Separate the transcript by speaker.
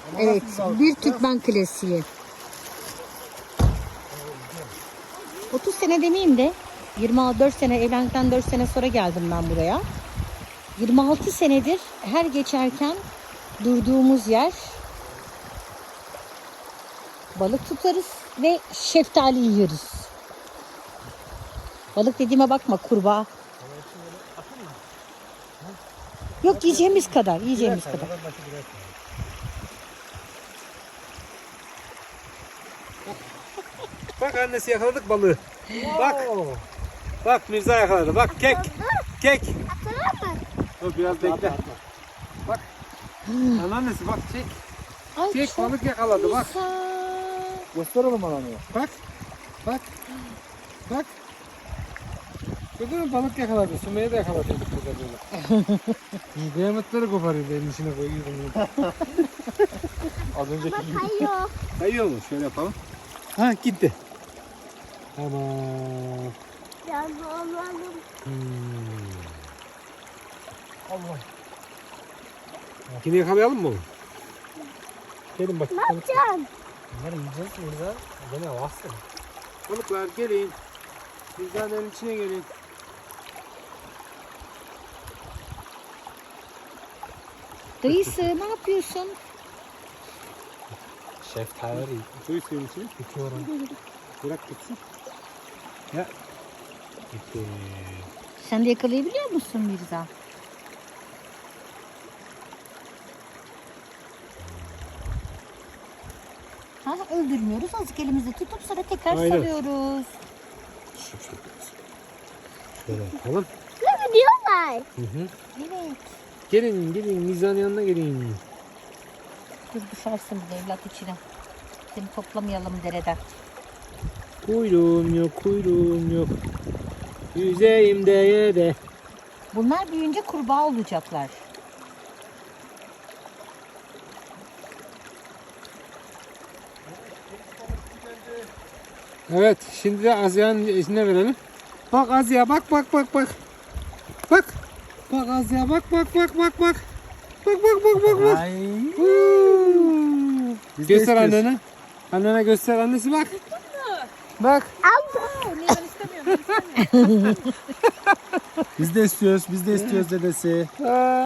Speaker 1: Evet, bir Türkmen klasiği. 30 sene demeyeyim de 24 sene evlendikten 4 sene sonra geldim ben buraya. 26 senedir her geçerken durduğumuz yer balık tutarız ve şeftali yiyoruz. Balık dediğime bakma, kurbağa. Yok, yiyeceğimiz kadar, yiyeceğimiz kadar.
Speaker 2: Bak annesi yakaladık balığı. Bak. Bak Mirza yakaladı. Bak kek. Kek. Dur biraz bekle. Bak. Anneannesi bak çek.
Speaker 1: Ay,
Speaker 2: Çek
Speaker 1: çok
Speaker 2: balık yakaladı bak.
Speaker 1: güzel.
Speaker 3: Göster oğlum ananı.
Speaker 2: Bak. Bak. Bak. Gördün mü balık yakaladı. Sümeyye de yakalatıyorduk burada böyle. Kıyametleri koparıyor benim içine koyuyorum.
Speaker 3: Az önceki gibi.
Speaker 4: Kayıyor.
Speaker 2: Kayıyor mu? Şöyle yapalım. Ha gitti. Tamam.
Speaker 4: Biraz alalım.
Speaker 3: Allah.
Speaker 2: Yine yakalayalım mı onu? Gelin bak.
Speaker 4: Ne yapacaksın?
Speaker 3: Bunları yiyeceğiz Mirza. Gene varsın.
Speaker 2: Balıklar gelin. Mirza'nın içine gelin.
Speaker 1: Dayısı ne yapıyorsun?
Speaker 3: Şeftali.
Speaker 2: Suyu suyun içine.
Speaker 3: Bitiyorum.
Speaker 2: Bırak gitsin. Ya. Gitti.
Speaker 1: Sen de yakalayabiliyor musun Mirza? Ha, öldürmüyoruz. Azıcık elimizde tutup sonra tekrar
Speaker 2: Aynen.
Speaker 1: salıyoruz.
Speaker 2: Şöyle yapalım.
Speaker 4: Ne gidiyorlar?
Speaker 2: Hı hı.
Speaker 1: Evet.
Speaker 2: Gelin gelin Mirza'nın yanına gelin.
Speaker 1: Dur, düşersin bir de evlat içine. Seni toplamayalım dereden.
Speaker 2: Kuyruğum yok kuyruğum yok. Yüzeyim de de.
Speaker 1: Bunlar büyüyünce kurbağa olacaklar.
Speaker 2: Evet şimdi de Azya'nın içine verelim. Bak Azya bak bak bak bak. Bak. Bak Azya bak bak bak bak bak. Bak bak bak bak bak.
Speaker 3: Ay.
Speaker 2: Huu.
Speaker 3: Biz de
Speaker 2: Göster
Speaker 3: istiyoruz.
Speaker 2: annene. Annene göster annesi bak. Bak.
Speaker 3: Biz de istiyoruz dedesi.